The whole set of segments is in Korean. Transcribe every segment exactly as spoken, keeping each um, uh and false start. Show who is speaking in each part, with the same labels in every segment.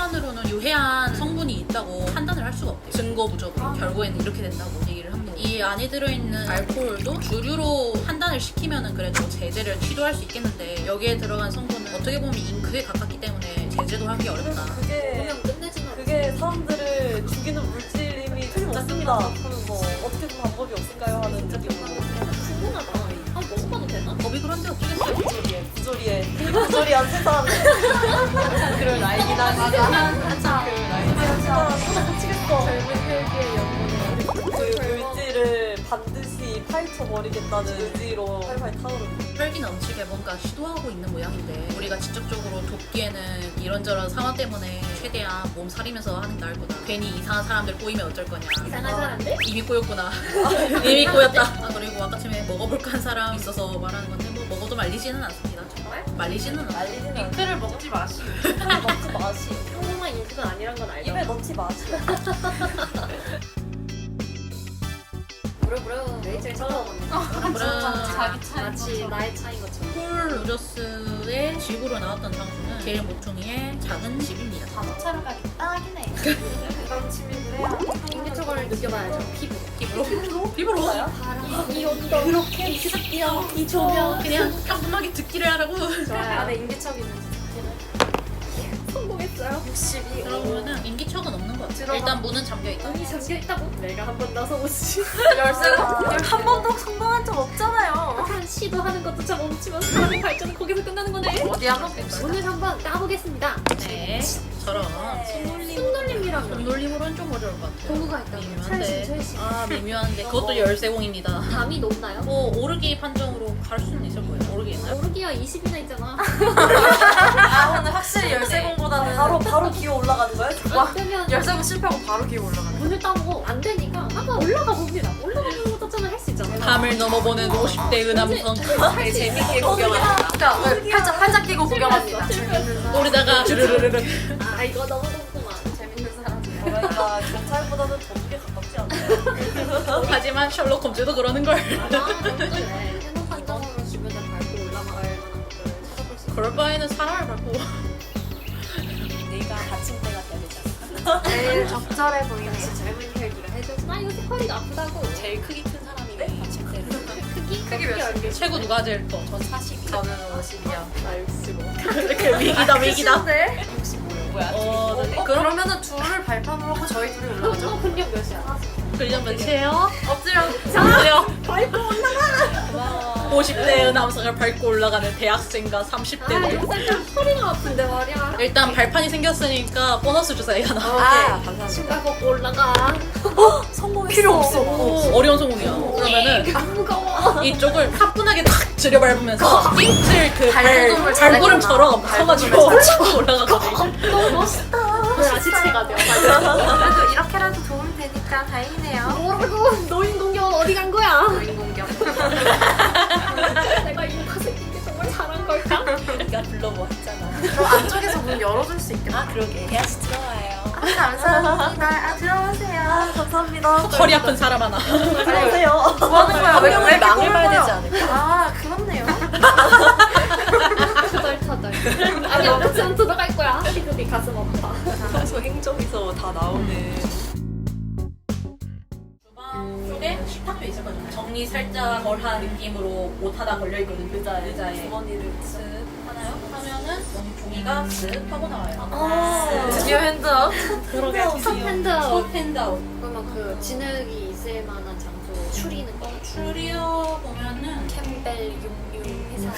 Speaker 1: 客観으로는 유해한 성분이 있다고 판단을 할 수가 없대요. 증거 부족으로 아. 결국에는 이렇게 된다고 얘기를 합니다. 이 안에 들어있는 알코올도 주류로 판단을 시키면은 그래도 제재를 취소할 수 있겠는데 여기에 들어간 성분은 어떻게 보면 잉크에 가깝기 때문에 제재도 하기 어렵다.
Speaker 2: 그게
Speaker 3: 그냥 끝내지는
Speaker 2: 그게 사람들을 죽이는 물질임이 틀림없습니다 하는 거 어떻게 든 방법이 없을까요 하는 적이
Speaker 3: 궁금하다. 아 먹어봐도 되나?
Speaker 1: 법이 그런데 어쩌겠어요.
Speaker 2: 부조리에 부조리에 부조리한 세상 그럴 나이긴 하지.
Speaker 3: 맞아. 맞아.
Speaker 2: 그럴 나이긴 하지. 미치겠어.
Speaker 3: 젊은 혈기의 영혼을
Speaker 2: 그 물질을 반드시 파헤쳐버리겠다는 의지로 활활 타오르는.
Speaker 1: 혈기 넘치게 뭔가 시도하고 있는 모양인데 우리가 직접적으로 돕기에는 이런저런 상황 때문에 최대한 몸살이면서 하는 게 나을 거다. 괜히 이상한 사람들 꼬이면 어쩔 거냐.
Speaker 3: 이상한 사람들?
Speaker 1: 이미 꼬였구나. 이미 꼬였다. 아, 그리고 아까 전에 먹어볼까 한 사람 있어서 말하는 건데 뭐 먹어도 말리지는 않습니다. 정말? 말리지는 않아요.
Speaker 2: 말리지는 않아.
Speaker 4: 잉크를 먹지 마시오.
Speaker 2: 입에 넣지 마시.
Speaker 3: 평범한 잉크가 아니란 건 알죠?
Speaker 2: 입에 넣지 마시.
Speaker 3: 무려 무려 레이첼 쳐다보네.
Speaker 1: 그런
Speaker 4: 자기 차이.
Speaker 3: 마치 나의 차인 것처럼.
Speaker 1: 폴 로저스의 집으로 나왔던 장소는 제일 모퉁이의 작은 집입니다.
Speaker 4: 자동차로 가기 딱이네. 그런 취미를 해야
Speaker 3: 인기초과를 느껴봐야죠. 피부.
Speaker 1: 피부로? 피부로?
Speaker 3: 바람, 이 온도, 그렇게 이 습기와 이 조명.
Speaker 1: 그냥 평범하게 듣기를 하라고.
Speaker 3: 좋아요. 안에 인기척 있는 성공했어요. 육십이.
Speaker 1: 그러면은 인기척은 없는 것 같아.
Speaker 3: 들어가.
Speaker 1: 일단 문은 잠겨있다.
Speaker 3: 문이 잠겨있다고? 내가 한 번 나서보지.
Speaker 2: 열쇠가 한 번도 성공한 적 없잖아요.
Speaker 3: 한 시도하는 것도 참 멈추면 사람의 발전은 거기서 끝나는 거네.
Speaker 4: 어디 한번 봅시다.
Speaker 3: 오늘 한번 까보겠습니다.
Speaker 1: 네. 저런.
Speaker 3: 손놀림이라면
Speaker 1: 손놀림으로는 좀 어려울 것 같아요.
Speaker 3: 도구가 있다면
Speaker 1: 미묘한데.
Speaker 3: 찰신 찰신.
Speaker 1: 아, 미묘한데. 그것도 열쇠공입니다.
Speaker 3: 담이 높나요?
Speaker 1: 뭐, 오르기 판정으로 갈 수는 있을 거예요. 오르기 있나요?
Speaker 3: 오르기가 이십이나 있잖아.
Speaker 4: 아 오늘 확실히 열쇠공보다는
Speaker 2: 바로 바로 기어 올라가는 거야?
Speaker 3: 안 되면
Speaker 4: 열쇠공 실패하고 바로 기어 올라가네.
Speaker 3: 문을 따보고 안 되니까 한번 올라가 봅니다. 올라가는 것도 저는 할 수 있잖아요.
Speaker 1: 밤을 넘어보는 오십 대 은암성.
Speaker 4: 되게 재밌게 구경합니다. 자, 팔짝 팔짝 끼고 구경합니다.
Speaker 1: 오르다가 주르르르르.
Speaker 3: 아 이거 너무 궁금한.
Speaker 4: 재밌는 사람.
Speaker 2: 그러니까 경찰보다는 도둑에 가깝지 않나요?
Speaker 1: 하지만 셜록 홈즈도 그러는걸.
Speaker 3: 아 그래. 해놓 판정으로 주변을 밟고 올라갈 만한 것들을 찾아볼 수 있어.
Speaker 1: 그럴 바에는 사람을 밟고.
Speaker 2: 내가 받침대가 돼야 되지 않나?
Speaker 4: 제일 적절해 보이네요.
Speaker 3: 젊은 혈기가 해줘서 나 이거 허리가 아프다고.
Speaker 2: 제일 크기 큰 사람이 받침대를.
Speaker 3: 크기?
Speaker 4: 크기 몇이요?
Speaker 1: 최고 누가 제일 커?
Speaker 2: 전 사십.
Speaker 4: 저는 오십이요.
Speaker 3: 나 육십오.
Speaker 1: 이렇게 위기다 위기다.
Speaker 4: 네.
Speaker 2: 뭐야?
Speaker 1: 어,
Speaker 4: 어, 그러면은 둘을 발판으로 하고 저희 둘이 올라가죠?
Speaker 3: 너 근력 몇이야?
Speaker 1: 근력 몇이에요?
Speaker 4: 엎드려.
Speaker 1: 자,
Speaker 3: 밟고 올라가.
Speaker 1: 오십 대 은암성을 밟고 올라가는 대학생과 삼십
Speaker 3: 아
Speaker 1: 대들.
Speaker 3: 이거 살짝 허리가 아픈데 말이야.
Speaker 1: 일단 발판이 생겼으니까 보너스 주사위가 나와.
Speaker 2: 아, 감사합니다.
Speaker 3: 신발 벗고 올라가.
Speaker 2: 성공했어.
Speaker 4: 필요 없어.
Speaker 1: 오, 어려운 성공이야. 그러면은
Speaker 3: 안 무거워.
Speaker 1: 이쪽을 가뿐하게 탁 들여밟으면서 띵틀 그 발,
Speaker 4: 발구름을
Speaker 1: 발구름처럼
Speaker 4: 잘했구나.
Speaker 1: 서가지고 치고 올라가거든.
Speaker 3: 너무 멋있다. 그래 아시체가 돼요.
Speaker 4: 그래도 이렇게라도 도움이 되니까 다행이네요.
Speaker 3: 뭐라고? 노인 공격 어디 간 거야?
Speaker 4: 노인 공격.
Speaker 3: 내가 이 가슴인 게 정말 잘한 걸까?
Speaker 2: 네가 불러뭐 했잖아.
Speaker 4: 그럼 안쪽에서 문 열어줄 수 있겠다.
Speaker 2: 아 그러게. 대하씨 들어와요.
Speaker 4: 아, 감사합니다. 아, 들어오세요.
Speaker 2: 아 감사합니다.
Speaker 1: 허리 아픈 사람 하나.
Speaker 2: 안녕하세요.
Speaker 4: 뭐 하는 거야? 왜, 왜 이렇게
Speaker 2: 망해봐야 되지
Speaker 4: 꼴보여?
Speaker 2: 않을까?
Speaker 4: 아, 그렇네요.
Speaker 3: 터덜터덜. 아니 어떻게든 들어갈 거야. 시급이 가슴 아파.
Speaker 2: 평소 행정에서 다 나오는.
Speaker 1: 주방 쪽에 식탁도 있을 거잖아요. 정리 살짝 덜한 느낌으로 옷 하나 걸려있거든. 의자에. 의자에.
Speaker 2: 주머니를
Speaker 1: 쓱 하나요? 하면은 여기 종이가 쓱 하고 나와요.
Speaker 2: 아,
Speaker 4: 드디어 핸드업.
Speaker 2: 그러게.
Speaker 3: 첫 핸드아웃.
Speaker 1: 첫 핸드아웃.
Speaker 3: 그러면 그 진흙이 있을 만한 장소 추리는 거?
Speaker 1: 줄여 보면은
Speaker 3: 캠벨 육류 회사.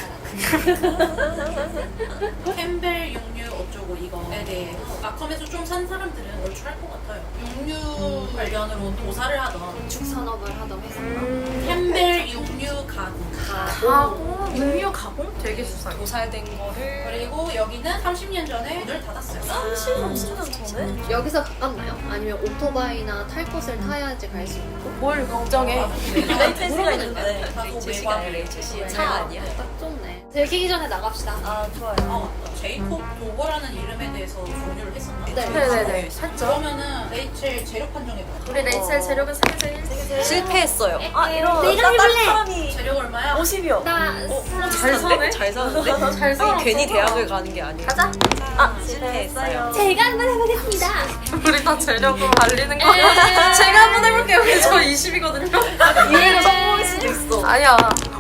Speaker 1: 캠벨 육류 어쩌고 이거에 대해 아컴에서 좀 산 사람들은 얼추할 것 같아요. 육류 관련으로 도사를 하던
Speaker 3: 건축 산업을 하던 회사인가?
Speaker 1: 캠벨 육류 가구.
Speaker 4: 가공. 육류 가공? 되게 수상해.
Speaker 2: 도살된 거를.
Speaker 1: 그리고 여기는 삼십 년 전에 문을 닫았어요.
Speaker 2: 삼십 년 전에?
Speaker 3: 여기서 가깝나요? 아니면 오토바이나 탈 곳을 타야지 갈 수 있는 거?
Speaker 4: 뭘 걱정해.
Speaker 2: 레이첼 씨가 있는데.
Speaker 1: 다소
Speaker 2: 레이첼 씨가 아니라
Speaker 1: 외곽.
Speaker 2: 레이첼 씨의 차 아니야?
Speaker 3: 딱 좋네. 들키기 전에 나갑시다.
Speaker 2: 아 좋아요.
Speaker 1: 아 맞다. 제이콥 도거라는 이름에 대해서 공유를 했었나?
Speaker 3: 네.
Speaker 4: 네네네.
Speaker 1: 그러면은 레이첼 재력 판정해봐.
Speaker 4: 우리 레이첼 재력은 세계 제일.
Speaker 2: 실패했어요. 아 이런
Speaker 3: 내가
Speaker 2: 나 다른
Speaker 3: 해볼래.
Speaker 2: 사람이
Speaker 1: 재력 얼마야?
Speaker 2: 오십이요.
Speaker 3: 나
Speaker 2: 잘 사네? 잘 사는데?
Speaker 4: 잘 살아.
Speaker 2: 아니, 괜히 대학을 가는 게 아니에요.
Speaker 4: 가자.
Speaker 2: 아 실패했어요.
Speaker 3: 제가 한번 해보겠습니다.
Speaker 4: 우리 다 재력으로 달리는 거야. 제가 한번 해볼게요. 우리 저 이십이거든요.
Speaker 2: 이해를 성공일 수도 있어.
Speaker 4: 아니야.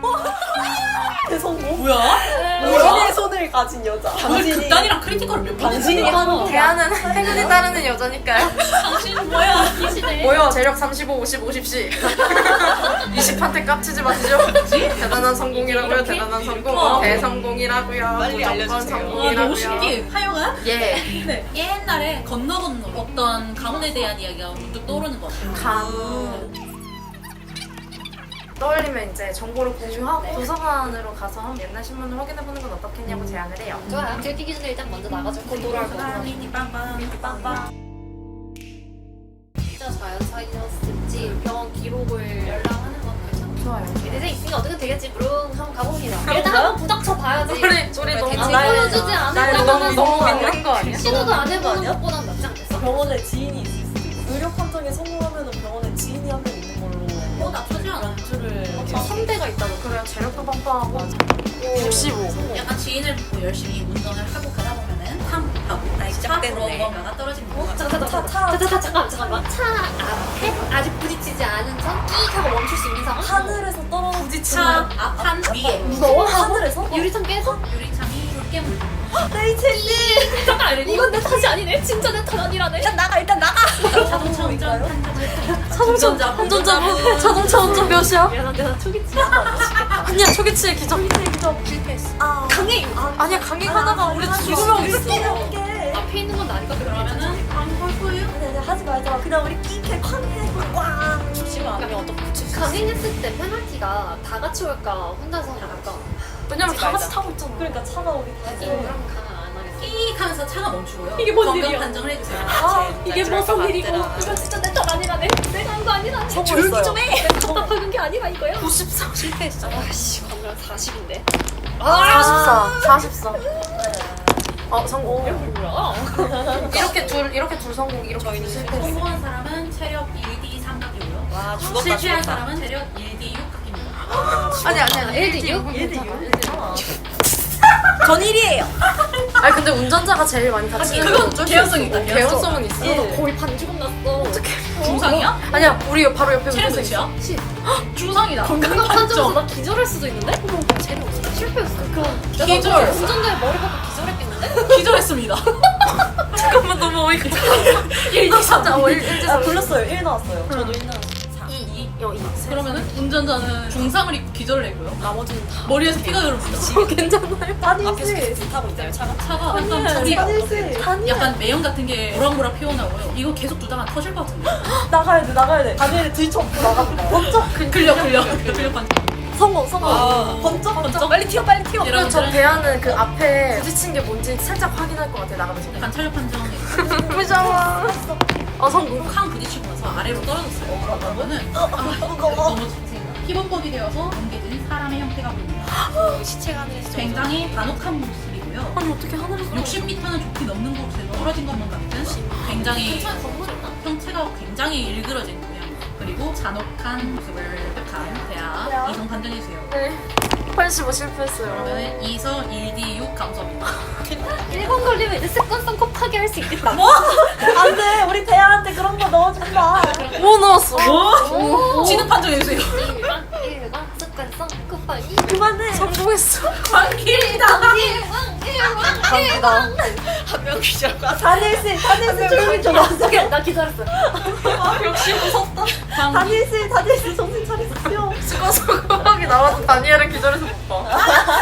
Speaker 2: 대성공?
Speaker 1: 뭐야?
Speaker 2: 오십의 손을 가진 여자.
Speaker 1: 오늘 극단이랑 크리티컬을 몇 번?
Speaker 2: 당신이
Speaker 1: 했어?
Speaker 2: 하는
Speaker 4: 대안은 행운이 따르는 여자니까요.
Speaker 1: 당신은 뭐야?
Speaker 3: 이시네.
Speaker 4: 뭐야? 재력 삼십오, 오십, 오십씩. 이십한테 깝치지 마시죠. 대단한 성공이라고요. 대단한 성공.
Speaker 1: 어.
Speaker 4: 대성공이라고요.
Speaker 2: 빨리
Speaker 4: 무조건
Speaker 2: 알려주세요.
Speaker 1: 와
Speaker 4: 성공이라고요.
Speaker 1: 너무 신기해. 하여간
Speaker 4: 예.
Speaker 1: 네. 옛날에 건너 건너 어떤 가문에 대한 이야기가 문득 떠오르는 것 같아요.
Speaker 4: 감. 떠올리면 이제 정보를 공유하고 도서관으로 가서 옛날 신문을 확인해보는 건 어떻겠냐고 제안을 해요.
Speaker 3: 좋아요. 들키기 전에 일단 먼저 나가서 곧 돌아올 거고.
Speaker 1: 미니빵빵 빵빵.
Speaker 3: 진짜 자연 사이였을지 병원 기록을 열람하는 건 괜찮아.
Speaker 4: 좋아요.
Speaker 3: 이제 있으니까 어떻게 되겠지? 부릉 한번 가봅니다. 일단 한번 부닥쳐 봐야지.
Speaker 4: 우리 우리 너무
Speaker 3: 안
Speaker 2: 나의-
Speaker 3: 보여주지
Speaker 4: 나의 너무
Speaker 3: 않을까
Speaker 4: 너무
Speaker 3: 하면서
Speaker 4: 믿는 거 아니야?
Speaker 3: 시도도 안
Speaker 2: 아니야?
Speaker 3: 해보는 것보단 낫지 않겠어?
Speaker 2: 병원에 지인이 있을 수도 있고 의료 판정에 성공하면 병원에 지인이 한 명 있는 걸로
Speaker 1: 어 나쁘지 않아.
Speaker 2: 연주를
Speaker 3: 저 삼 대가 있다고.
Speaker 4: 그래요. 재력도 빵빵하고 육십오.
Speaker 1: 약간 지인을 믿고 열심히 운전을 하고 가다 보면은 탕 하고 차
Speaker 2: 시작됐네.
Speaker 1: 무언가가 떨어지는 거야.
Speaker 3: 잠깐 잠깐
Speaker 2: 차,
Speaker 3: 잠깐 잠깐 잠깐 잠깐만. 차 앞에 아직 부딪히지 않은 선 끼익 하고 멈출 수 있는 상황.
Speaker 2: 하늘에서 떨어지는
Speaker 1: 차 앞판 위에
Speaker 3: 무서워?
Speaker 2: 하늘에서?
Speaker 3: 유리창 깨서?
Speaker 1: 유리창이 붉게 물든
Speaker 2: 레이첼님
Speaker 3: 잠깐 이건 내 탓이 아니네. 진짜 내 탓 아니라네.
Speaker 2: 일단 나가 일단 나가.
Speaker 1: 자동차 운전
Speaker 4: 자동차 운전자 자동차 운전 몇이야?
Speaker 3: 미안한데 나 초기치.
Speaker 4: 아니야 초기치의 기적.
Speaker 1: 실패했어.
Speaker 2: 아
Speaker 3: 강해.
Speaker 4: 아니야 강행하다가 우리 죽으면
Speaker 2: 어떡해 게
Speaker 3: 앞에 있는 건 나니까
Speaker 1: 그러면은 방볼 거예요?
Speaker 2: 아니 아니 하지 말자. 그냥 우리 끼케 쾅해 꽝.
Speaker 1: 죽지 마. 그러면 어떻게 붙일 수 있어?
Speaker 3: 강행했을 때 페널티가 다 같이 올까 혼자서 올까?
Speaker 4: 왜냐면 다 같이 타고 있잖아.
Speaker 2: 그러니까 차가 우리 다
Speaker 3: 그럼 강안 하겠어.
Speaker 1: 끼익 하면서 차가 멈추고요.
Speaker 3: 이게 뭔
Speaker 1: 건강
Speaker 3: 일이야?
Speaker 1: 판정을 해주세요.
Speaker 2: 아,
Speaker 3: 이게 무슨 일이고 이건 진짜 내 탓 아니라네. 내가 한 거 아니라네.
Speaker 2: 조용히 좀 해.
Speaker 3: 내가 답답한 게 아니라 이거야.
Speaker 4: 구십사.
Speaker 1: 실패했어.
Speaker 3: 아씨 건강 사십인데.
Speaker 4: 사십사. 사십사. 어 성공.
Speaker 3: 뭐야?
Speaker 4: 이렇게 둘 이렇게 둘 성공 이렇게 둘 실패.
Speaker 1: 성공한 사람은 체력 일 디 삼각이고요.
Speaker 2: 와 죽었다
Speaker 1: 실패한
Speaker 2: 죽었다.
Speaker 1: 사람은 체력 일 디 육각입니다.
Speaker 4: 아니 아니 아니.
Speaker 3: 일 대 육?
Speaker 2: 일 대 육?
Speaker 4: 괜찮아.
Speaker 2: 전 일이에요.
Speaker 4: 아니 근데 운전자가 제일 많이 다치는
Speaker 1: 그건
Speaker 4: 건 어쩔 수
Speaker 1: 개연성이
Speaker 4: 있어.
Speaker 1: 있다,
Speaker 4: 개연성은 있어.
Speaker 2: 일.
Speaker 3: 거의 반 죽음 났어. 어떡해.
Speaker 1: 중상이야?
Speaker 4: 아니야 우리 바로 옆에
Speaker 1: 체력
Speaker 4: 운전자 있어.
Speaker 1: 몇이야?
Speaker 3: 십.
Speaker 1: 중상이다.
Speaker 3: 건강 판정에서 나 기절할 수도 있는데? 어머 재료 없어. 실패했어. 그럼 내가
Speaker 1: 기절.
Speaker 3: 운전자의 머리 박고 기절했겠는데?
Speaker 1: 기절했습니다.
Speaker 4: 잠깐만 너무 어이가 일, 이, 삼. 어, 일, 일,
Speaker 2: 아 불렀어요. 일 나왔어요. 저도 일 나왔어요.
Speaker 4: 이, 여, 이.
Speaker 1: 그러면은 운전자는 중상을 입고 기절을 했고요.
Speaker 2: 나머지는 다
Speaker 1: 머리에서 피가 흐릅니다.
Speaker 4: 괜찮아요?
Speaker 2: 단일
Speaker 3: 앞에서
Speaker 2: 씨.
Speaker 3: 타고 있나요 차가?
Speaker 1: 차가 약간
Speaker 2: 단일
Speaker 1: 불이
Speaker 2: 단일 씨. 단일.
Speaker 1: 약간 매연 같은 게 모락모락 피어나고요. 이거 계속 두다가 터질 것 같은데.
Speaker 2: 나가야 돼 나가야 돼. 단일을 들쳐엎고 나갑니다. 번쩍
Speaker 1: 근력 근력 근력 반.
Speaker 2: 성공 성공.
Speaker 1: 아.
Speaker 2: 번쩍 번쩍 빨리 튀어 빨리 튀어.
Speaker 4: 그리고 저
Speaker 1: 여러분들은
Speaker 4: 대안은 그 앞에 부딪힌 게 뭔지 살짝 확인할 것 같아 나가면서.
Speaker 1: 약간 체력 판정에
Speaker 4: 무서워. 어 성공.
Speaker 1: 쾅 부딪히고 나서 아래로 떨어졌어요. 그러면은
Speaker 2: 어,
Speaker 1: 아,
Speaker 2: 무거워.
Speaker 1: 너무 자세히 피범벅이 되어서 뭉개진 사람의 형태가 보입니다.
Speaker 3: 시체가 하늘에서
Speaker 1: 굉장히 간혹한 모습이고요.
Speaker 4: 아니 어떻게 하늘에서?
Speaker 1: 육십 미터는 좁히 넘는 곳에서 떨어진 것만 같은 굉장히
Speaker 3: 근처에 건물 있나?
Speaker 1: 형체가 굉장히 일그러진 모양 그리고 잔혹한 모습을 획한 대하
Speaker 2: 대하.
Speaker 1: 이성 판정해주세요.
Speaker 4: 네. 팔십오 실패했어요.
Speaker 1: 그러면 이서 일 디 육 감소합니다.
Speaker 3: 일 번 걸리면 이제 습관성 곱하기 할 수 있겠다.
Speaker 2: 뭐? 안돼 우리 대한한테 그런 거 넣어준다.
Speaker 4: 뭐 넣었어?
Speaker 3: 오.
Speaker 1: 지능 판정해주세요.
Speaker 3: 일반 일반 습관성 곱하기
Speaker 2: 그만해.
Speaker 4: 성공했어.
Speaker 1: 광길이다.
Speaker 3: 일반 일반
Speaker 4: 감사합니다.
Speaker 3: 한명 기절과
Speaker 2: 단일 씨 단일 씨 조용히 좀 하세요.
Speaker 3: 오케이 나 기절했어.
Speaker 2: 역시 무섭다.
Speaker 1: 광
Speaker 2: 단일 씨 단일 씨 정신 차리세요.
Speaker 4: 수고수고하게 나와서 다니엘은 기절해서 못 봐.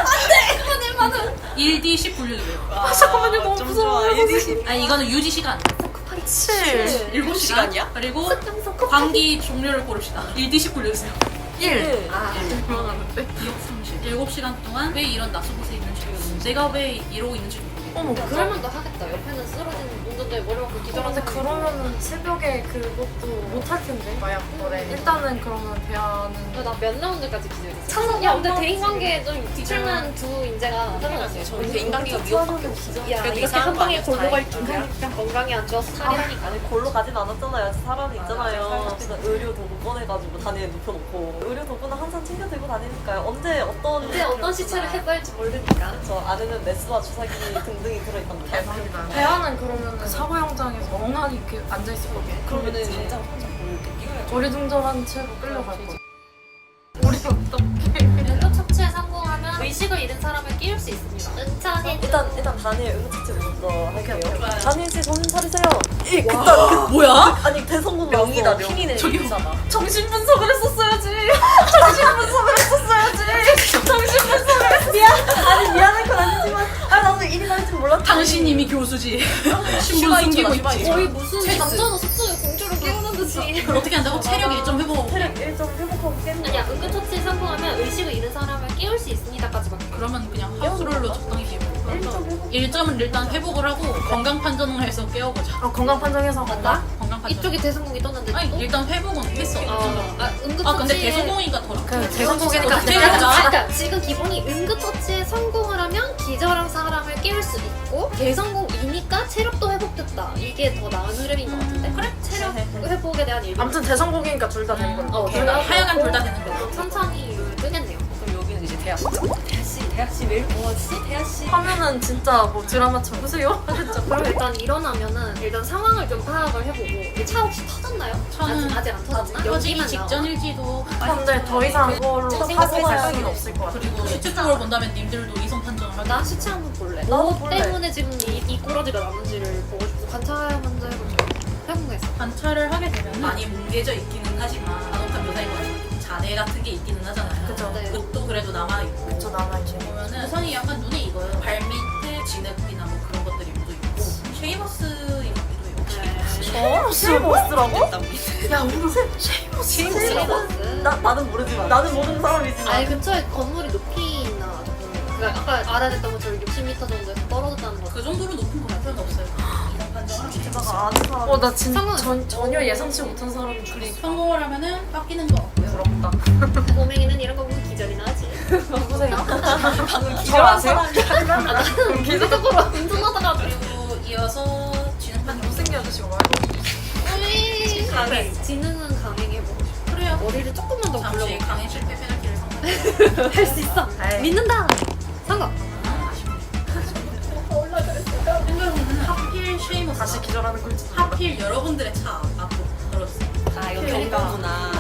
Speaker 1: 일 디 십 굴려주세요.
Speaker 4: 아, 잠깐만요 너무 무서워요.
Speaker 1: 아니 이거는 유지 시간
Speaker 3: 곱하기
Speaker 4: 칠.
Speaker 1: 일곱 시간이야? 그리고
Speaker 3: 습관성 곱하기
Speaker 1: 광기 종료를 고릅시다. 일 디 십 굴려주세요.
Speaker 4: 일.
Speaker 3: 아
Speaker 4: 유명하는데.
Speaker 1: 기억 상실. 일곱 시간 동안 왜 이런 낯선 곳에 있는지 모르겠어요. 내가 왜 이러고 있는지 모르겠어요.
Speaker 4: 어머
Speaker 3: 그럴만도 하겠다. 옆에는 쓰러진 운전자의 머리 맞고 기절하는데
Speaker 4: 근데 그러면은 새벽에 그것도 못 할 텐데 마약 거래. 일단은 그러면 대안은
Speaker 3: 나 몇 라운드까지 기절했어.
Speaker 2: 참,
Speaker 3: 야 근데
Speaker 2: 엄마
Speaker 3: 대인관계 좀 뒤틀만 두 인재가 살아났어요.
Speaker 5: 저 이제 인간기가 위협밖에 없어.
Speaker 3: 야
Speaker 5: 그래도
Speaker 3: 이렇게
Speaker 5: 이상한
Speaker 3: 한
Speaker 5: 거
Speaker 3: 방에
Speaker 5: 아니어서
Speaker 3: 골로 갈
Speaker 5: 다행이다.
Speaker 3: 줄이야. 건강이 안 좋아서 살이라니까.
Speaker 2: 아니 골로 가진 않았잖아요. 사람이 있잖아요. 그래서 의료 도구 꺼내가지고 다리에 눕혀놓고 의료 도구는 항상 챙겨 들고 다니니까요. 언제 어떤
Speaker 3: 언제 어떤 시체를 해볼지 모르니까.
Speaker 2: 저 안에는 메스와 주사기 등등이 들어있답니다.
Speaker 4: 대박이다. 대안은 그러면은 사고 현장에서 멍하니 이렇게 앉아 있을 거고.
Speaker 2: 그러면은
Speaker 5: 당장 혼자 모르게 뛰어야지.
Speaker 4: 어리둥절한 채로 끌려갈 거지. 우리 어떻게?
Speaker 3: 응급 처치에 성공하면 의식을 잃은 사람을 끼울 수 있습니다. 은차게
Speaker 2: 일단 일단 다니엘 응급처치 먼저 할게요.
Speaker 1: 좋아요.
Speaker 2: 다니엘 씨 정신 차리세요. 이 그딴
Speaker 1: 뭐야?
Speaker 2: 아니 대성공
Speaker 5: 명이다
Speaker 2: 나왔어.
Speaker 5: 명.
Speaker 1: 킹이네.
Speaker 5: 저기 있잖아.
Speaker 4: 정신 분석을 했었어야지. 정신 분석을 했었어야지. 정신 분석을 했.
Speaker 2: 아니 미안한 건 아니지만 아 나도 일이 날 줄 몰랐지.
Speaker 1: 당신 이미 교수지. 신분
Speaker 5: 슈가
Speaker 1: 숨기고
Speaker 5: 있잖아,
Speaker 1: 있지.
Speaker 5: 슈가
Speaker 3: 거의 무슨 남자는 숙소에 공주를 깨우는 듯이.
Speaker 1: 그걸 어떻게 한다고? 체력 일 점 회복.
Speaker 2: 체력 일 점 회복하고 깨는
Speaker 3: 아니야
Speaker 2: 거야.
Speaker 3: 응급처치에 성공하면 의식을 잃은 사람을 깨울 수 있습니다까지밖에.
Speaker 1: 그러면 그냥 하수롤로 적당히
Speaker 2: 일 점
Speaker 1: 깨우고
Speaker 2: 회복.
Speaker 1: 일 점을 일단 회복을 하고 건강 판정을 해서 깨워보자.
Speaker 4: 어, 건강 판정해서
Speaker 3: 맞다?
Speaker 1: 건강 판정.
Speaker 3: 이쪽에 대성공이 떴는데
Speaker 1: 아니
Speaker 3: 또?
Speaker 1: 일단 회복은 했어.
Speaker 3: 아, 아 응급처치.
Speaker 1: 아 근데 대성공이니까 더.
Speaker 4: 그 대성공이니까
Speaker 1: 어떻게
Speaker 4: 그냥
Speaker 1: 해보자.
Speaker 3: 아, 그러니까 지금 기본이 응급처치에 성공을 하면 기절한 사람을 깨울 수 있고 대성공이니까 체력도 회복됐다. 이게 더 나은 흐름인 것 같은데. 그래? 체력 회복에 대한 일부.
Speaker 4: 아무튼 대성공이니까 둘 다 되는 걸로.
Speaker 3: 어,
Speaker 1: 둘 다 하여간 둘 다 되는 거야.
Speaker 3: 그럼 천천히 이걸 뜨겠네요.
Speaker 5: 그럼 여기는 이제 대학.
Speaker 2: 대하씨 대하씨 왜 이렇게 모았지? 대하씨.
Speaker 4: 하면은 진짜 뭐 드라마처럼 보세요.
Speaker 3: 그렇죠. 그럼 일단 일어나면은 일단 상황을 좀 파악을 해보고 이 차 혹시 터졌나요?
Speaker 1: 차는
Speaker 3: 아직, 아직 안 터졌나?
Speaker 1: 터지기
Speaker 3: 여기만 나와.
Speaker 1: 직전일지도.
Speaker 4: 근데 더 이상 그걸로
Speaker 3: 저
Speaker 4: 파고 갈
Speaker 3: 생각해봐요.
Speaker 4: 수는 없을 것 같아.
Speaker 1: 그리고 시체 쪽으로 본다면 님들도 이성 판정을 하자.
Speaker 3: 나 시체 한번 볼래.
Speaker 2: 나도
Speaker 3: 뭐
Speaker 2: 볼래.
Speaker 3: 때문에 지금 이, 이 꼬라지가 남은지를 보고 싶고 관찰 먼저 해보자. 해보겠어.
Speaker 1: 관찰을 하게 되면 많이 뭉개져 있기는 하지만 간혹한 묘사인 것 같아요. 잔해 같은 게 있기는 하잖아요.
Speaker 4: 그죠.
Speaker 3: 네.
Speaker 1: 옷도 그래도 남아있고.
Speaker 4: 그쵸 남아있지.
Speaker 1: 보면은 우선이 약간 눈에 익어요. 발 밑에 진흙이나 뭐 그런 것들이 묻어 있고 쉐이머스 이렇기도 해요.
Speaker 3: 네.
Speaker 4: 어? 쉐이머스라고?
Speaker 5: 땀.
Speaker 4: 야 우리 쉐이머스.
Speaker 3: 쉐이머스.
Speaker 2: 나 나는 모르지만 나는 모르는 사람이지만.
Speaker 3: 아니 근처에 건물이 높이나 그러니까 아까 알아냈던 것처럼 육십 미터 정도에서 떨어졌다는 거.
Speaker 1: 그 정도로 높은 건 필요는 없어요. 이성 판정을 하면 되죠.
Speaker 2: 내가 아는 사람.
Speaker 4: 어나 진짜
Speaker 3: 상관-
Speaker 4: 전, 전혀 예상치 못한 사람이 줄이.
Speaker 1: 그리고 성공을 하면은 깎이는 거 없고요.
Speaker 4: 부럽다.
Speaker 3: 꼬맹이는 이런 거 보면 기절이나 하지.
Speaker 4: 누구세요?
Speaker 2: 방금
Speaker 4: 저
Speaker 2: 기절한
Speaker 4: 아세요?
Speaker 2: 사람이
Speaker 3: 계속적으로 운전하다가
Speaker 1: 그리고 이어서 지능 판정.
Speaker 4: 못생긴 아저씨가 말고.
Speaker 3: 우리
Speaker 1: 강행.
Speaker 3: 지능은 강행해보고 싶어.
Speaker 1: 그래요.
Speaker 3: 머리를 조금만 더
Speaker 1: 잠시
Speaker 3: 굴려볼까?
Speaker 1: 강행 실패 페널티를 성공.
Speaker 3: 할 수 있어.
Speaker 4: 에이.
Speaker 3: 믿는다. 성공.
Speaker 1: 생각해보면 하필 쉐이머스.
Speaker 4: 다시 기절하는 꼴찌.
Speaker 1: 하필 여러분들의 차 앞으로 걸었어요.
Speaker 5: 아 이거
Speaker 3: 그러니까.
Speaker 5: 경고구나.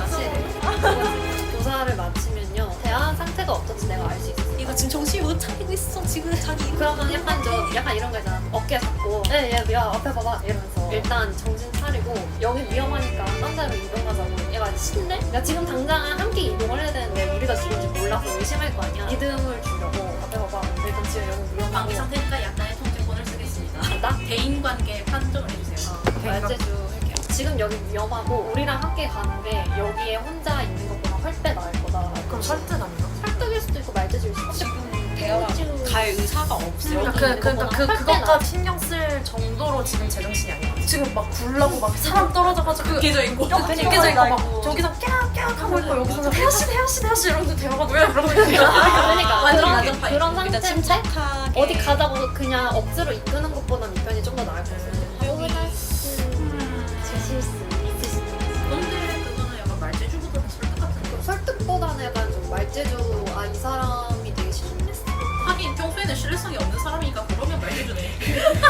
Speaker 3: 그치. 조사를 마치면요. 대한 상태가 어떨지 내가 알 수 있어.
Speaker 5: 이거 지금 정신이 못 차리고 있어. 지금 자기.
Speaker 3: 그러면 약간 좀 약간 이런 거 있잖아. 어깨 잡고 야야 야, 앞에 봐봐 이러면서 일단 정신 차리고 여기 위험하니까 딴 데로 이동하자고. 얘가 신내? 야 지금 당장 함께 이동을 해야 되는데 우리가 죽은지 몰라서 의심할 거 아니야. 믿음을 주려고 앞에 봐봐. 일단 지금 여기 위험하고.
Speaker 1: 방위 상태니까 약간의 통제권을 쓰겠습니다.
Speaker 3: 간다?
Speaker 1: 대인 관계 판정을 해주세요.
Speaker 3: 말재주 할게요. 지금 여기 위험하고 우리랑 함께 가는데 여기에 혼자 있는 것보다 훨빼 나을 거다.
Speaker 4: 그럼 설득 아닌가?
Speaker 3: 설득일 수도 있고 말재주일 수도 있고.
Speaker 5: 지금 대화가 갈 의사가 없어요.
Speaker 3: 여기
Speaker 4: 그,
Speaker 3: 있는
Speaker 4: 그러니까 그,
Speaker 3: 것보다
Speaker 4: 그것까지 신경 쓸 정도로 지금 제정신이 아니야. 지금 막 굴라고 막 사람 떨어져가지고
Speaker 1: 깨져 있고.
Speaker 4: 뼈가
Speaker 2: 그러니까.
Speaker 4: 깨져 있고 막
Speaker 2: 아이고.
Speaker 4: 저기서 깨악깨악 하고 있고 여기서 태아씨 태아씨 태아씨 이러면서 대화가 뭐야 이러고 있는
Speaker 3: 그러니까
Speaker 1: 완전
Speaker 3: 그런,
Speaker 1: 나전
Speaker 3: 그런
Speaker 5: 일단
Speaker 3: 상태인데
Speaker 5: 침착하게.
Speaker 3: 어디 가자고 그냥 억지로 이끄는 것보다는 이 편이 좀 더 나을 것 같아요. 오브라스 제 실수 있으시네요.
Speaker 1: 근데 그거는 약간 말재주보다는 설득 같은 거.
Speaker 3: 설득보다는 약간 좀 말재주 아 이 사람이 되게 신뢰했어.
Speaker 1: 하긴 평소에는 신뢰성이 없는 사람이니까 그러면 말재주네.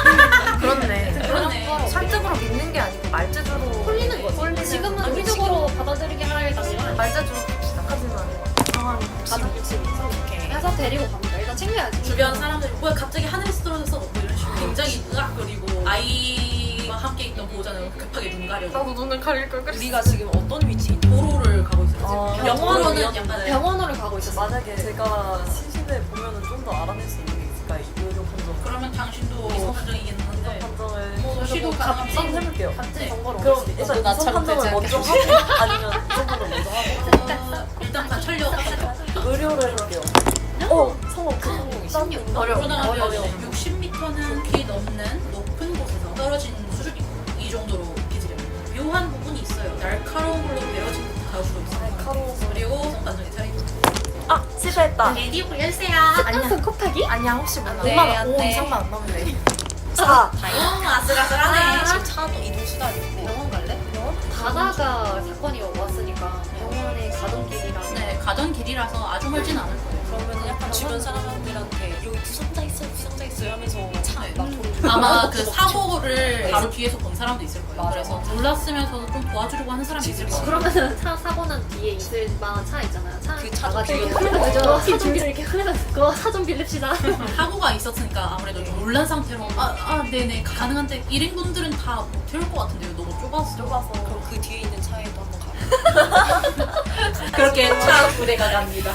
Speaker 4: 그렇네.
Speaker 1: 그러네.
Speaker 4: 설득으로 믿는 게 아니고 말재주로
Speaker 3: 홀리는 거지. 지금은
Speaker 4: 아니,
Speaker 3: 의식으로 받아들이게 할 단계가
Speaker 4: 말재주로 시작하지만 상황이
Speaker 3: 받아들이지 못하게 해서 데리고 갑니다. 일단 챙겨야지.
Speaker 1: 주변 사람들이 뭐야 갑자기 하늘에서 떨어졌어 뭐 이런 식으로 굉장히 으악거리고 아이와 함께 있던 보호자는 급하게 눈 가려고
Speaker 4: 나도 눈을 가릴 걸 그랬어.
Speaker 5: 우리가 지금 어떤 위치에 있는
Speaker 1: 도로를 가고 있어요.
Speaker 2: 어,
Speaker 1: 지금 영어로는
Speaker 5: 병원이요?
Speaker 1: 약간
Speaker 3: 병원으로 가고 있었어.
Speaker 2: 만약에 제가 시신을 보면은 좀 더 알아낼 수 있는 게 있을까요? 의료 판정.
Speaker 1: 그러면 당신도 이성 판정이긴 한데
Speaker 2: 판정을
Speaker 1: 뭐 시도
Speaker 2: 한번
Speaker 1: 가능하고
Speaker 2: 해볼게요.
Speaker 3: 같은 정보를
Speaker 2: 그럼
Speaker 3: 얻을 수 있어.
Speaker 2: 일단 이성
Speaker 5: 나처럼
Speaker 2: 판정을
Speaker 5: 되지
Speaker 2: 먼저 하고 아니면 이성 판정을 먼저 하고
Speaker 1: 어, 일단 관찰력 합시다.
Speaker 2: 의료를 해볼게요. 어 성공 성공
Speaker 5: 십육.
Speaker 4: 어려워.
Speaker 1: 그러다가
Speaker 2: 어려워.
Speaker 1: 육십 미터 캐릭터는 키 넘는 높은 곳에서 떨어진 수준이고 이 정도로 기질입니다. 묘한 부분이 있어요. 날카로운 걸로 베어진 듯할 수도 있어요.
Speaker 2: 날카로운
Speaker 1: 그리고 성반전이 살아있죠.
Speaker 2: 아 실패했다.
Speaker 1: 레디오 열쇠야.
Speaker 3: 습관성 곱하기?
Speaker 4: 아니야 혹시 몰라.
Speaker 5: 돼,
Speaker 4: 오만
Speaker 5: 안
Speaker 4: 오
Speaker 5: 돼.
Speaker 4: 이상만 안 나오면 돼.
Speaker 2: 사.
Speaker 1: 어, 아슬아슬하네.
Speaker 5: 지금 차도 이동 수단이 있고.
Speaker 1: 병원 갈래?
Speaker 3: 가다가 사건이 왔으니까 병원에 가던 길이라.
Speaker 1: 네, 가던 길이라서 아주 멀진 않을 거예요.
Speaker 5: 그러면 약간 주변 사람들한테 여기 부상자 있어요, 부상자 있어요 하면서 차
Speaker 1: 네.
Speaker 5: 막 돌고.
Speaker 1: 아마 그 사고를 바로 뒤에서 본 사람도 있을 거예요. 그래서 몰랐으면서도 좀 도와주려고 하는 사람이 있을 거예요.
Speaker 3: 그러면은 차 사고 난 뒤에 있을 만한 차 있잖아요. 차
Speaker 5: 그 차
Speaker 3: 나가지고
Speaker 5: 좀
Speaker 3: 흘러 그죠? 차좀 이렇게 흘러 그거 차 좀 빌립시다.
Speaker 1: 사고가 있었으니까 아무래도 좀 놀란 상태로 아, 아 네네 가능한데 일인분들은 다 못 태울 것 같은데요. 너무 좁아서.
Speaker 2: 좁아서.
Speaker 5: 그럼 그 뒤에 있는 차에도 한번 가.
Speaker 1: 그렇게 차 부대가 갑니다.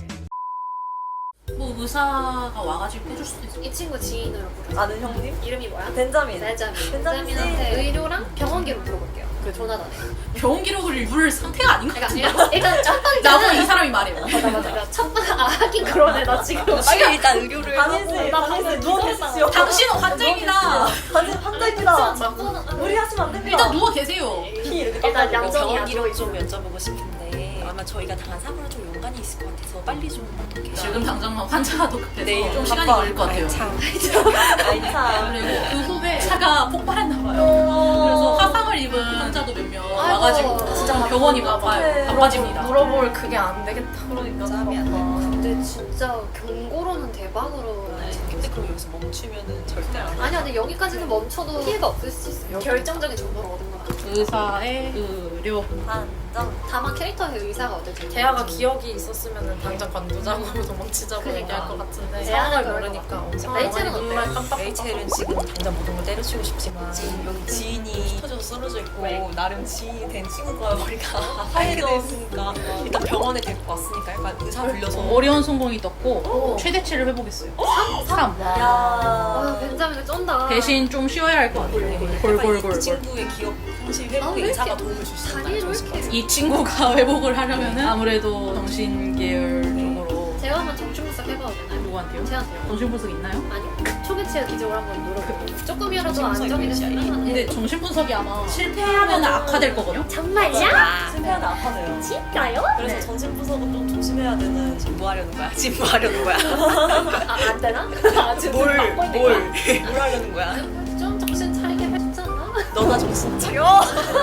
Speaker 1: 뭐 의사가 와가지고 해줄 수도 있어요.
Speaker 3: 이 친구 지인으로 부르죠.
Speaker 2: 아는 형님?
Speaker 3: 이름이 뭐야?
Speaker 2: 벤자민.
Speaker 3: 벤자민.
Speaker 2: 벤자민 씨.
Speaker 3: 벤자민한테 의료랑 병원 기록 물어볼게요. 그 조나단에.
Speaker 1: 병원 기록을 물 상태가 아닌 것
Speaker 3: 그러니까
Speaker 1: 같은데.
Speaker 3: 일단, 일단 첫 번째는
Speaker 1: 나보고 이 사람이 말해요.
Speaker 3: 맞아 맞아. 그러니까 첫 번째 아 하긴 그러네 나 지금.
Speaker 5: 빨리 일단 의료를
Speaker 2: 다니씨,
Speaker 3: 나
Speaker 2: 다니씨
Speaker 3: 방금
Speaker 2: 누워
Speaker 3: 기절했다.
Speaker 2: 계십시오.
Speaker 1: 당신은 환자입니다.
Speaker 2: 당신 환자입니다.
Speaker 3: 첫 번은 아,
Speaker 2: 우리 하시면 안 됩니다.
Speaker 1: 일단 누워 계세요.
Speaker 2: 피 이렇게
Speaker 3: 일단
Speaker 2: 닦아주고.
Speaker 3: 양정이
Speaker 5: 병원
Speaker 3: 안
Speaker 5: 기록 좀
Speaker 3: 들어있어요.
Speaker 5: 여쭤보고 싶은데 아마 저희가 당한 사고랑 좀 연관이 있을 것 같아서 빨리 좀 어떻게
Speaker 1: 지금 당장 환자가 더 급해서
Speaker 5: 내일
Speaker 1: 좀 시간이
Speaker 2: 바빠.
Speaker 1: 걸릴 것 같아요.
Speaker 5: 참
Speaker 2: 아이 참.
Speaker 1: 그리고 그 후에 차가 폭발했나 봐요. 그래서 화상을 입은 환자도 몇 명 와가지고
Speaker 3: 진짜
Speaker 1: 병원이 바빠요.
Speaker 2: 어떡해.
Speaker 1: 바빠집니다.
Speaker 4: 물어볼 그게 안 되겠다.
Speaker 2: 그러니까
Speaker 5: 짬이 안 돼.
Speaker 3: 근데 진짜 경고로는 대박으로.
Speaker 5: 근데 그럼 여기서 멈추면은 절대 안 돼.
Speaker 3: 아니야, 근데 여기까지는 멈춰도 피해가 없을 수 있어요. 결정적인 정보를 얻은 건 아니죠.
Speaker 1: 의사의 의료.
Speaker 2: 반장.
Speaker 3: 다만 캐릭터의 의사가 어떨지.
Speaker 4: 대화가 기억이 있었으면은 당장 관두자고 도망치자고
Speaker 3: 그러니까.
Speaker 4: 얘기할 것 같은데
Speaker 3: 대화는
Speaker 4: 상황을
Speaker 3: 그럴
Speaker 4: 모르니까
Speaker 3: 것
Speaker 4: 엄청
Speaker 3: 레이첼은 어때요?
Speaker 4: 정말 깜빡
Speaker 5: 레이첼은 지금 당장 모든 걸 때려치고 싶지만 지금 여기 지인이 터져서 쓰러져 있고
Speaker 3: 왜?
Speaker 5: 나름 지인이 된 친구가 머리가 하얘게 돼 있으니까 일단 병원에 데리고 왔으니까 약간 의사 불려서
Speaker 1: 어려운 성공이 떴고 최대치를 해보겠어요. 삼.
Speaker 3: 아,
Speaker 2: 야.
Speaker 3: 벤자민을 쩐다.
Speaker 1: 대신 좀 쉬어야 할 것 같아요.
Speaker 5: 약간
Speaker 1: 골골골골.
Speaker 5: 이 친구의 기억 상실
Speaker 3: 아,
Speaker 5: 회복에
Speaker 3: 왜
Speaker 5: 의사가
Speaker 3: 이렇게
Speaker 5: 도움을 줄 수 있다는
Speaker 3: 다리를
Speaker 5: 점이 있을 것 같아요.
Speaker 1: 이 친구가 회복을 하려면 아무래도 정신 계열 쪽으로
Speaker 3: 제가 한번 정신분석 해봐도 되나요?
Speaker 1: 누구한테요?
Speaker 3: 제한테요.
Speaker 1: 정신분석 있나요?
Speaker 3: 아니요. 초기치의 기적을 한번 노려볼게요. 조금이라도
Speaker 5: 정신분석이
Speaker 3: 안정이
Speaker 5: 뭔지
Speaker 3: 됐으면.
Speaker 5: 알아요?
Speaker 1: 근데 정신분석이 아마 실패하면 악화될 거거든요.
Speaker 3: 정말이야?
Speaker 2: 실패하면 아파져요.
Speaker 3: 진짜요?
Speaker 2: 그래서
Speaker 1: 네.
Speaker 2: 정신분석은 좀 조심해야 되는.
Speaker 5: 지금 뭐 하려는 거야? 지금 뭐 하려는 거야?
Speaker 3: 아, 안 되나? 아, 지금
Speaker 5: 뭘,
Speaker 3: 막고 있는
Speaker 5: 뭘,
Speaker 3: 거야?
Speaker 5: 뭘 하려는 거야?
Speaker 3: 좀 정신 차리게 해주지 않나?
Speaker 5: 너나 정신 차려!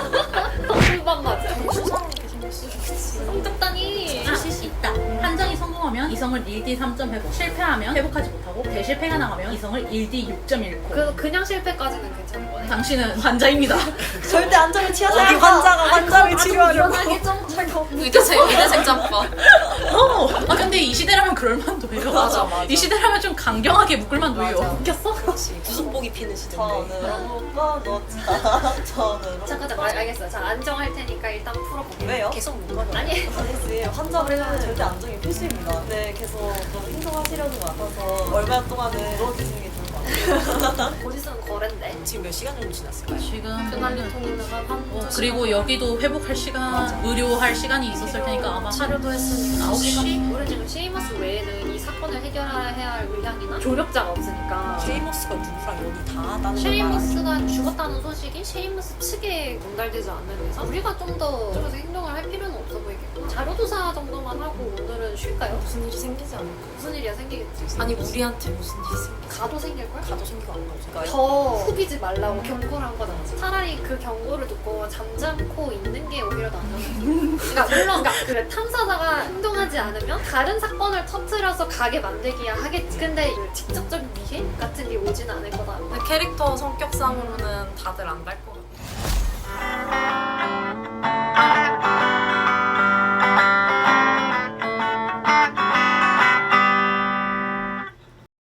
Speaker 3: 술밥 맞아.
Speaker 5: 수상하게 생길 수 있지.
Speaker 3: 성적단이.
Speaker 1: 하실 수 있다. 판정이 성공하면 이성을 일 디 삼 점 회복, 실패하면 회복하지 못하고 대실패가 나가면 이성을 일 디 육 점 잃고.
Speaker 3: 그, 그냥 실패까지는 괜찮은 거네.
Speaker 1: 당신은 환자입니다.
Speaker 2: 절대 안정을 취하지
Speaker 5: 어디
Speaker 2: 않아.
Speaker 5: 환자가 환자를 치료하려고.
Speaker 3: 일어나게 좀 잘고.
Speaker 4: 의대생 의대생 짬밥.
Speaker 1: 어. 아 근데 이 시대라면 그럴 만도 해요.
Speaker 5: 맞아, 맞아.
Speaker 1: 이 시대라면 좀 강경하게 묶을 만도 해요.
Speaker 3: 웃겼어?
Speaker 5: 그렇지. 구속복이 피는 시대인데.
Speaker 2: 저는 꺼놓자. 저는.
Speaker 3: 잠깐 잠깐 알- 알겠어요. 자 안정할 테니까 일단 풀어볼게요.
Speaker 2: 왜요?
Speaker 5: 계속 못 가져.
Speaker 3: 아니
Speaker 2: 아니지. 환자는 절대 안정이 필수입니다. 네, 계속 좀 행동하시려는 것 같아서 얼마 동안은 누워주시는 게 좋을 것 같아요.
Speaker 3: 곧 있으면 거랜데.
Speaker 5: 지금 몇 시간 정도 지났을까요?
Speaker 1: 지금
Speaker 3: 그날은 통일나가 한
Speaker 1: 어, 그리고 여기도 회복할 시간, 의료할 시간이 있었을 테니까 아마
Speaker 3: 하루도 했으니까
Speaker 1: 아홉 시?
Speaker 3: 우리 지금 쉐이머스 외에는 이 사건을 해결해야 할 의향이나 조력자가 없으니까
Speaker 5: 쉐이머스가 누구랑 연이 닿았다는 걸
Speaker 3: 쉐이머스가 죽었다는 소식이 쉐이머스 측에 전달되지 않는 이상 우리가 좀 더 쪽에서 행동을 할 필요는 없어 보이겠고 자료조사 정도만 하고 오늘은 쉴까요?
Speaker 5: 무슨 일이 생기지 않을까?
Speaker 3: 무슨 일이야 생기겠지.
Speaker 4: 아니 우리한테 무슨 일이 생겨?
Speaker 3: 가도 생길걸?
Speaker 5: 가도 생기고 안 가도 생기고.
Speaker 3: 더 후비지 말라고 경고를 한 거잖아. 차라리 그 경고를 듣고 잠잠고 있는 게 오히려 더 안전해. 그러니까 물론 그러니까 그 탐사자가 행동하지 않으면 다른 사건을 터트려서 가게 만들기야 하겠지. 근데 그 직접적인 위해 같은 게 오진 않을 거다.
Speaker 4: 근데 캐릭터 성격상으로는 다들 안 갈 것 같아.